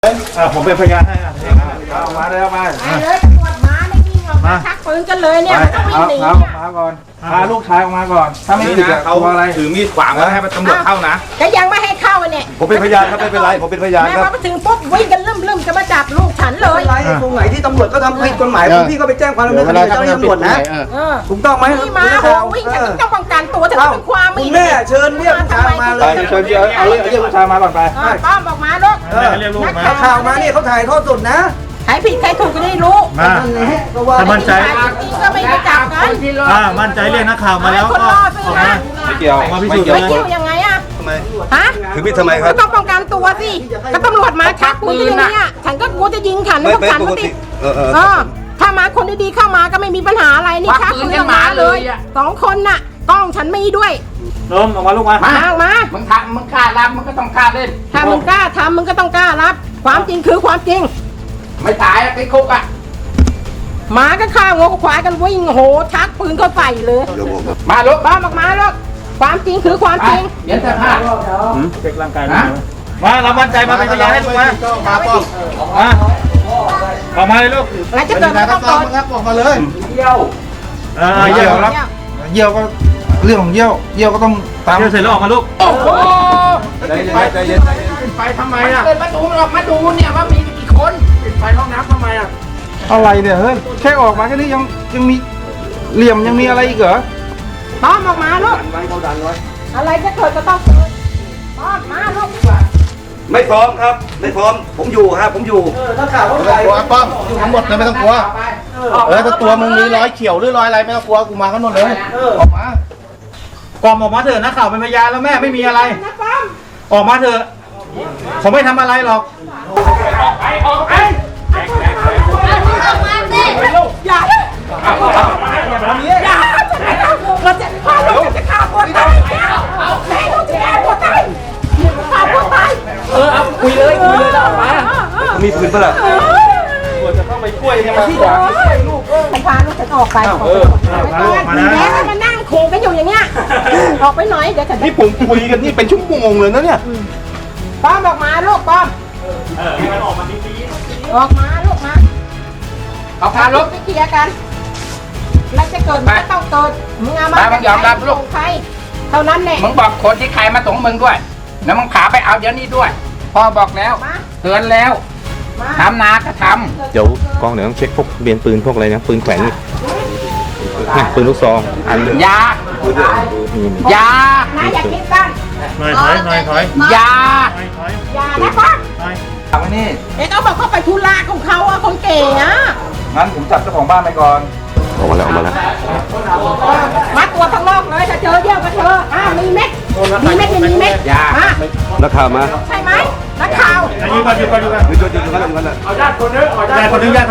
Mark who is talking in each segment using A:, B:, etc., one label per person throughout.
A: เลยตำรวจมาไม่วิ่งออกมาชักปืนกันเลยเนี่ยมันต้องวิ่งหนี
B: มาก่อนพาลูกชายออกมาก่อนถ้าไม่ติดเขาอะไร
C: ถือมีดขวางไว้ให้ตำรวจเข้านะ
A: ก็ยังไม่ให้เข้าเนี่ย
B: ผมเป็นพยานครับไม่เป็นไรผมเป็นพยานครับ
A: แม่มาถึงปุ๊บวิ่งกันลืมจะมาจับลูกฉันเลย
D: ไรตรงไหนที่ตำรวจก็ทำผิดกฎหมายพี่ก็ไปแจ้งความดำเนินคดีเจ้าหน้าที่ตำรวจนะถูกต้องไหม
A: นี่มาวิ่งกันต้องป้องกันตัวถึงเป็นความมี
D: แม่เชิญเรียกลูกชายมาเลย
B: เชิญเอาเรียกลูกชายมาก่อนไป
A: ป้อมบอกมาลูก
D: นักข่าวมาเนี่ยเขาถ่ายทอดสดนะ
A: ใครผิดใครถูกก็ได้รู้
B: ถ้ามั่นใจ
A: ก็ไม่ไปจับกัน
B: มั่นใจเรียกนักข่าวมาแล้วก็ออกมาไม่เกี่ยวมาพิสูจน์
A: ไม่เกี่ยวยังไงอะ
B: ทำไม
A: ฮะ
B: ถือมีดทำไมครับ
A: ต้องป้องกันตัวสิก็ตำรวจมาชักปืนเนี่ยฉันก็กลัวจะยิงฉันพวกฉันก็ติดถ้ามาคนดีๆเข้ามาก็ไม่มีปัญหาอะไรนี่ชักปืนกันมาเลย2 คนน่ะกล้องฉันมีด้วย
B: นมออกมาลูกมา
A: มา
C: มึงกล้ารับมึงก็ต้องกล้าเล่น
A: ถ้ามึงกล้าทำมึงก็ต้องกล้ารับความจริงคือความจริง
C: ไม่ตายอะติดคุกอะ
A: หมาก็ฆ่างวควายกันวิ่งโหชักปืนเข้าใส่เลย
C: มาลูก
A: บ้าออกมาลูกความจริงคือความจริง
C: เดี๋ยวจะพลาด
B: เช็คร่างกายนะมาเรามั่นใจมาเป็นพยานให้ลูกมาออกมาเลยลูก
A: อะไรจะเกิดขึ้นต้อง
B: ออกมาเลย
C: เยี่ยว
B: เยี่ยวครับเยี่ยวก็เรื่องของเยี่ยวก็ต้องตามเยี่ยวเสร็จแล้วออกมาลูก
C: โอ้โห
B: ใจเย็น
C: ไปทำไมอะเปิดประตูออกมาดูเนี่ยว่ามีกี่คนปิดไฟห้องน้ำทำไมอะ
B: อะไรเนี่ยเฮ้ยแค่ออกมาแค่นี้ยังมีเหลี่ยมยังมีอะไรอีกเหรอ
A: ป้อมออกมาลูกอะไรจะเกิดก็ต้องเกิดป้อมมาลูก
B: ไม่พร้อมครับไม่พร้อมผมอยู่ครับผมอยู่
D: ถ้าข่าวว่าใคร
B: ป้อมอยู่ทั้งหมดเลยไม่ต้องกลัวถ้าตัวมึงมีรอยเขียวหรือรอยอะไรไม่ต้องกลัวกูมากันหมดเลยออกมากอมออกมาเถอะนักข่าวเป็นพยานแล้วแม่ไม่มีอะไรออกมาเถอะเขาไม่ทำอะไรหรอก
A: ออกไปอย่าเราจะฆ่าลูกจะฆ่าคนตายแม่ลูกจะฆ่าคนตายฆ่าคนตาย
C: เอาคุยเลยแล้วออกมา
B: มีปืนปะล่ะควรจะเข้าไปช่วยยังไงที่ด่า
A: ลูกไปพาลูกฉันออกไปแม่มานั่งโคกันอยู่อย่างเงี้ยออกไปหน่อยเดี๋ยวฉัน
B: นี่ผมคุยกันนี่เป็นชั่วโมงเลยนะเนี่ย
A: ป้อมออกมาลูกป้อม
B: ออกมาดี
A: ออกมาลูกมา
C: เอาพาลูก
A: ไปเคลียร์กันแล้วจะเกิดมันก็ต้องเกิดมึงเอามา
C: มึงยอมรับลูก
A: ใครเท่านั้นแหละ
C: มึงบอกคนที่ใครมาส่งมึงด้วยแล้วมึงขาไปเอาเดี๋ยวนี้ด้วยพ่อบอกแล้วเตือนแล้วทำนาก็ท
E: ำเดี๋ยวกองเดี๋ยวต้องเช็คพวกเบียนปืนพวกอะไรนะปืนแขวนนี่ปืนลูกซองอัน
C: ยา
A: อย่าคิดบ้าน
B: ถอย
C: ยา
A: นะป้า
B: ทำนี่
A: เขาบอกเขาไปธุระของเขาอะคนเก๋อะ
B: งั้นผมจับเจ้าของบ้านไปก่อน
E: ออกมาแล้ว
A: มัดตัวทั้งโลกเลยถ้าเจอเยี่ยวก็เจอมีเม็ดไม่มีเม็ดมา
E: นักข่าวมา
A: ใช่ไหมนักข่าว
B: อยู่กันเอาญาติคนนึงญาติคนนึง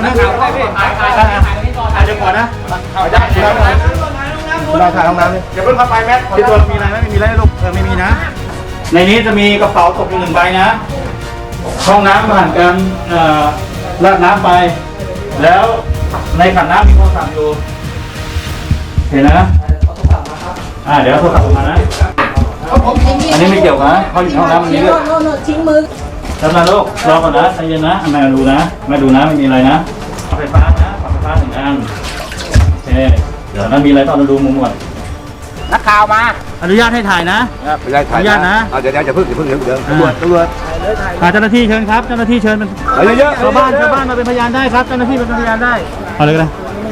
B: เดี๋ยวก่อนนะเอาญาติเราถ่ายห้องน้ำเลยอย่าเพิ่งเข้าไปแม่ที่ตัวมีอะไรไหมไม่มีอะไรลูกไม่มีนะในนี้จะมีกระเป๋าตกอยู่1 ใบนะห้องน้ำผ่านการราดน้ำไปแล้วในขันน้ำมีโทรศัพท์อยู่เห็นนะเดี๋ยวโทรศัพท์ออกมานะอันนี้ไม่เกี่ยวนะเขาอยู่ห้องน้ำมันนี้ด้วย
A: ทิ้งมือ
B: จำนะลูกรอก่อนนะใจเย็นนะแม่ดูนะไม่มีอะไรนะไฟฟ้านะไฟฟ้า1 อันโอเคเดี๋ยวนั้นมีอะไรต้องดูมุมหมด
C: นักข่าวมา
B: อนุญาตให้ถ่ายนะ
E: อนุญาตนะ
B: เดี๋ยวอย่าเพิ่งตำรวจเจ้าหน้าที่เชิญครับเจ้าหน้าที่เชิญมันเยอะชาวบ้านมาเป็นพยานได้ครับเจ้าหน้าที่เป็นพยานได้เอาเลยก็ได้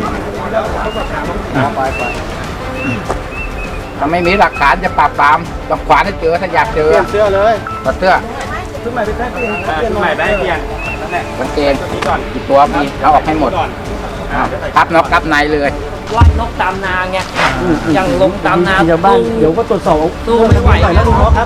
C: ถ้าไม่มีหลักฐานจะปราบปรามต้องขวานให้เจอถ้าอยากเจอ
B: เสื้อเลย
C: เสื้อ
B: ชุดใหม่ไปแค่เปลี่ยน
C: มันเกณฑ์กี่ตัวมีเขาออกให้หมดทับนกทับในเลย
F: ว่านกตามนาไงยังลงตามนา
B: ชาวบ้านเดี๋ยวก็ตรวจสอบ
F: ตู้ไม่ไหว
B: แล้วลุงครับ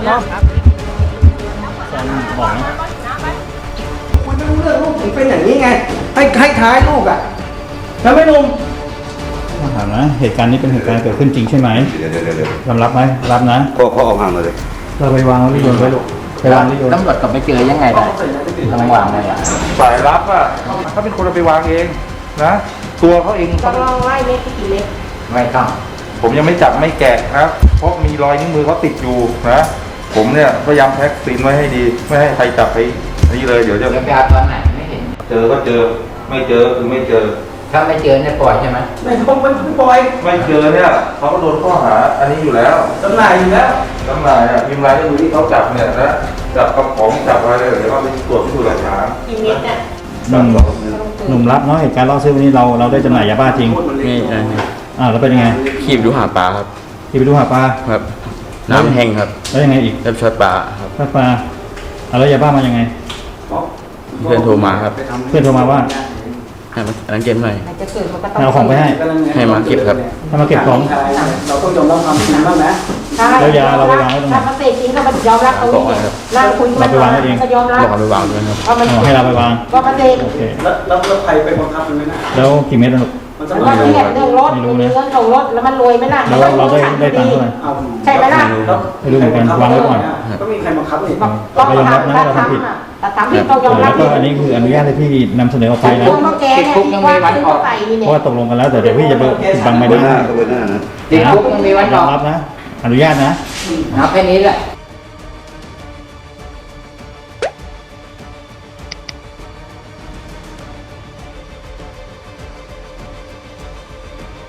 B: บอกนะ
D: มันไม่รู้เรื่องลูกถึงเป็นอย่างนี้ไงให้ท้ายลูกอ่ะแล้วไม่นุ่ม
B: ถามนะเหตุการณ์นี้เป็นเหตุการณ์เกิดขึ้นจริงใช่ไหมยอมรับไหมรับนะ
E: เขาเอาห่างมาเลย
B: เราไปวางรีโยนไว้ลูกไปวางรีโยน
C: ตำรวจกลับไปเจอยังไงได้ทำไมวางไง
B: สายรับอ่ะเขาเป็นคนเอาไปวางเองนะตัวเขาเอง
A: ต้องลองไล่เม็ดกี่เม็ด
C: ไม่ต้อง
B: ผมยังไม่จับไม่แกะครับเพราะมีรอยนิ้วมือเขาติดอยู่นะผมเนี่ยพยายามแพ็กซีนไว้ให้ดีไม่ให้ใครจับไป
E: นี่เลยเดี๋ยวจะ
C: เดี๋ยวไปเอาตอนไหนไม่เห็น
E: เจอก็เจอไม่เจอคือไม่เจอ
C: ถ้าไม่เจอเนี่ยปล่อยใช่ไหม
D: ไม่ต้องไปปล่อย
E: ไม่เจอเนี่ยเขาก็โดนข้อหาอันนี้อยู่แล้ว
D: จำหน่ายอยู่แล้ว
E: จำหน่ายอ่ะพิมพ์รายก็ดูที่เขาจับเนี่ยนะจับกระป๋องจับอะไรเลยเดี๋ยวเราไปตรวจพิสูจน์หลักฐาน
A: กี่เม็ดเนี่ย
B: หนุ่มรับเนาะเหตุการณ์ล่อซื้อวันนี้เราได้จำหน่ายยาบ้าจริง
G: นี่ใช่
B: แล้วเป็นยังไง
G: ขีบดูหาปลาครับ
B: ที่ไปดูหาปลา
G: ครับ น้ำแห้งครับ
B: แล้วยังไงอีก
G: เริ่มช็อตปลาครับ
B: ถ้าปลาแล้วยาบ้ามายังไง
G: เพื่อนโทรมาครับ
B: เพื่อนโทรมาว่า
G: ให้มาอันนั้นเก็บหน่อย
A: มันจะเกิดมันก็ต้อง
B: ให้เอาของไปให้
G: ให้มาเก็บครับ
B: ให้มาเก็บของ
D: เราต้องยอมรับความจริงบ้างนะ
A: ใช่
B: แล้วยาเราไปวางไว้ตรงไหน
A: ถ้ามันเสพจริงก็มันยอมรับตรงนี้เนี่ยนั่งคุยกัน
B: เราไปวางไว้เอง
A: ก็ยอมรับ
G: บอกเอาไปวางด้วยครับ
A: ว่ามัน
B: ให้เราไปวาง
A: ว่ามันเสพ
B: โอเค
D: แล้วใครไปบังคับมันไหมนะ
B: แล้วกี่เม็ดนะลูก
D: มันจะ
A: มัน
D: มา
A: ก็
D: ดู
A: เนี่ยเรื่องรถมีเงินของรถแล้วมันรวยไหมล่ะ
B: แล้วเราได้ตังค์เท่าไหร่
A: ใช่ไหมล่ะ
B: ไม่รู้เหมือนกันวางไว้ก่อน
D: ก็มีใครบังคับนี่
A: ต้อง
B: ก็ยอมรับนะว่าเราทำผิด
A: แต่ทำผิดต้องยอมรั
B: แล้
A: บ
B: วก็อันนี้คืออนุญาตให้พี่นำเสนอออกไปนะ
A: ตัวแกเนี่ยที่ว่าซื้อใส่นี่
B: เพ
A: เนี่ย
B: ราะว่าตกลงกันแล้วแต่เดี๋ยวพี่จะไปบังไม่ได้
C: ติดคุกมันมีวัน
B: ย
C: อ
B: อ
C: อ
B: ม
C: ก
B: รับนะ อนุญาตนะ
C: เอาแค่นี้แหละ